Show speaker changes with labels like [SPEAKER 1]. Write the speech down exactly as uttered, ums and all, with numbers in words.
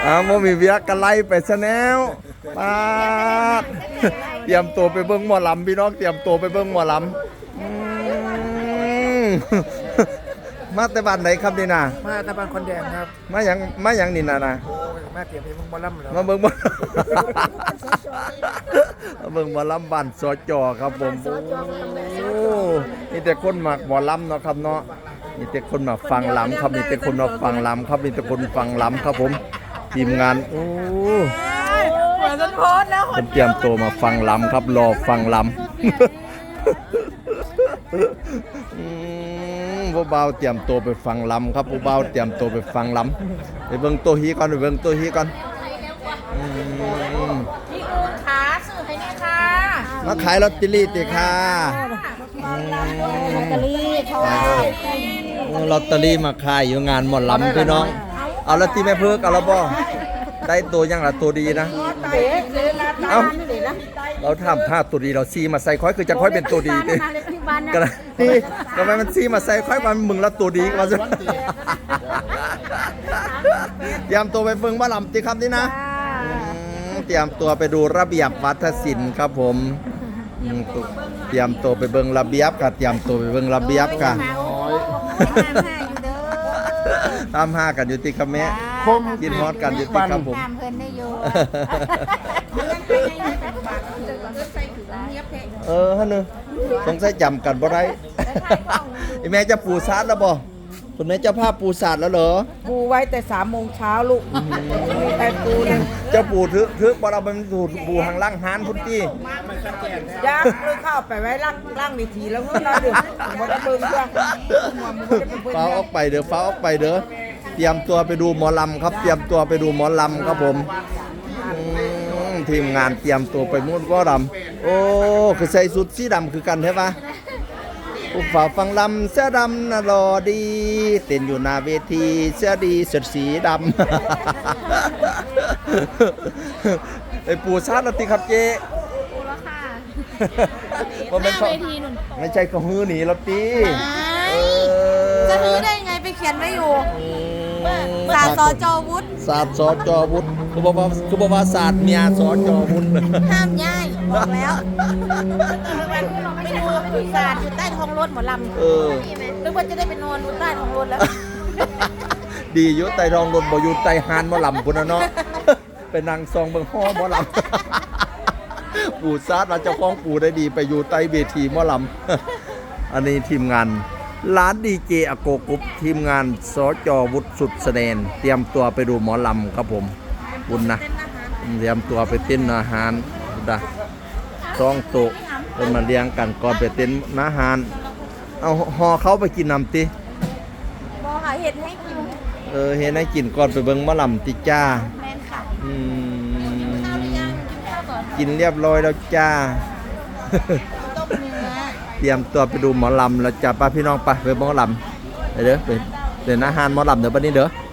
[SPEAKER 1] อ้าวมีเวียกันไล่ไปซะแล้วปาดเตรียมตัวไปเบิ่งหมอลำพี่น้องเตรียมตัวไปเบิ่งหมอลำอืมมาแต่บ้านไหนครับนี่นะ
[SPEAKER 2] มาตะบานคนแดงครับ
[SPEAKER 1] มาอย่างมาอย่างนี่นะนะ
[SPEAKER 2] มาเตรียมเพลงบอลลัมแล้ว
[SPEAKER 1] มาเบิ่งบ่มาเบิ่งหมอลำบ้านสจครับผมโอ้นี่แต่คนมักหมอลำเนาะครับเนาะนี่แต่คนมาฟังลำครับนี่แต่คนมาฟังลำครับนี่แต่คนฟังลำครับผมทีมงานโอ้
[SPEAKER 3] เหมือนจะโพสแล้ว
[SPEAKER 1] คนเตรียมตัวมาฟังลำครับรอฟังลำผู้เบาเตรียมตัวไปฟังลำครับผู้เบาเตรียมตัวไปฟังลำไปเบิ่งตัวฮีก่อนไปเบิ่งตัวฮีก่อน
[SPEAKER 3] พี่อูนขาสื่อให้เนี่ยค่ะ
[SPEAKER 1] มาขายลอตเตอรี่ติค่ะ
[SPEAKER 3] ลอตเตอรี่ค่ะ
[SPEAKER 1] ลอตเตอรี่มาขายอยู่งานหมดลำพี่น้องเอาลอตเตอรี่แม่เพิกเอาแล้วบ่ได้ตัวยังล่ะตัวดีนะเอ้าเราทำผ้าตัวดีเราซีมาใส่ค่อยคือจะค่อยเป็นตัวดีดิก็ได้นี่ทำไมมันซีมาใส่ค่อยมันมึงละตัวดีก็มาสิเตรียมตัวไปเบิ่งบ้าลำติครับนี่นะเตรียมตัวไปดูระเบียบวัฒนศิลป์ครับผมเตรียมตัวไปเบิ่งระเบียบกับเตรียมตัวไปเบิ่งระเบียบกันตามห้ากันอยู่ติครับแม่กินฮอดกันอยู่ติครับผมเออฮะนึสงสัยจำกันบ่ได้ไอ้แม่จะปูซาดแล้วบ่คุณแม่เจ้าภาพปูซาดแล้วเหรอ
[SPEAKER 3] ปูไว้แต่สามโมงเช้าลูกแต่ปูเนี่ย
[SPEAKER 1] เจ้าปูทึกทึกบ่เราเป็นสูตรปูหางล่างหานพุ่นตี้
[SPEAKER 3] ยักษ์เลยเข้าไปไว้ล่างล่างวิธีแล้วเมื่อเราดึกมันจะเบิ่งด้วย
[SPEAKER 1] ฟ้าออกไปเด้อฟ้าออกไปเด้อเตรียมตัวไปดูหมอลำครับเตรียมตัวไปดูหมอลำครับผมทีมงานเตรียมตัวไปมุ่นก็ดำโอ้คือใส่สุดสีดำคือกันใช่ปะผู้ฝ่าฟังลำเสื้อดำน่ะรอดีเต้นอยู่หน้าเวทีเสื้อดีเสื้อสีดำไอ้ปูชาติละติครับเจ๊ปูแล้วค่ะหน้าเวทีนุ่นไม่ใช่เขาฮื้อหนีละตี
[SPEAKER 4] จะฮื้อได้ไงไปเขียนไว้อยู่ศาสตร์สจวุฒิ
[SPEAKER 1] ศาสตร์สจวุฒิคือบอกว่าคือบอกว่าศาสตร์เมียสจวุฒิ
[SPEAKER 4] ห้ามย้ายบอกแล้วไม่ดูศาสตร์อยู่ใต้ท้องรถหมอลำเออนึกว่าจะได้ไปนอนอยู่ใต้ท้องรถแล้ว
[SPEAKER 1] ดีอยู่ใต้ท้องรถบ่อยู่ใต้หานหมอลำพุ่นน่ะเนาะไปนั่งซองเบิ่งฮ้อหมอลำปู่ซาดว่าเจ้าของปู่ได้ดีไปอยู่ใต้เวทีหมอลำอันนี้ทีมงานร้านดีเจอโกกุ๊บทีมงานสจวุฒิสุดแสดงเตรียมตัวไปดูหมอลำครับผมบุญนะเตรียมตัวไปเต้นอาหารนะซองโตะเป็นมาเลี้ยงกันก่อนไปเต้นอาหารเอาห่อเขาไปกินน้ำติ
[SPEAKER 4] มองหาเห็ดให้กิน
[SPEAKER 1] เออเห็นให้กินก่อนไปเบิ่งหมอลำติจ้า
[SPEAKER 4] แม่นค่ะ
[SPEAKER 1] อืมกินเรียบร้อยแล้วจ้าเตรียมตัวไปดูหมอลำแล้วจ้าป้าพี่น้องไปไปหมอลำเด้อไปเดินอาหารหมอลำเดี๋ยวบัดนี้เด้อ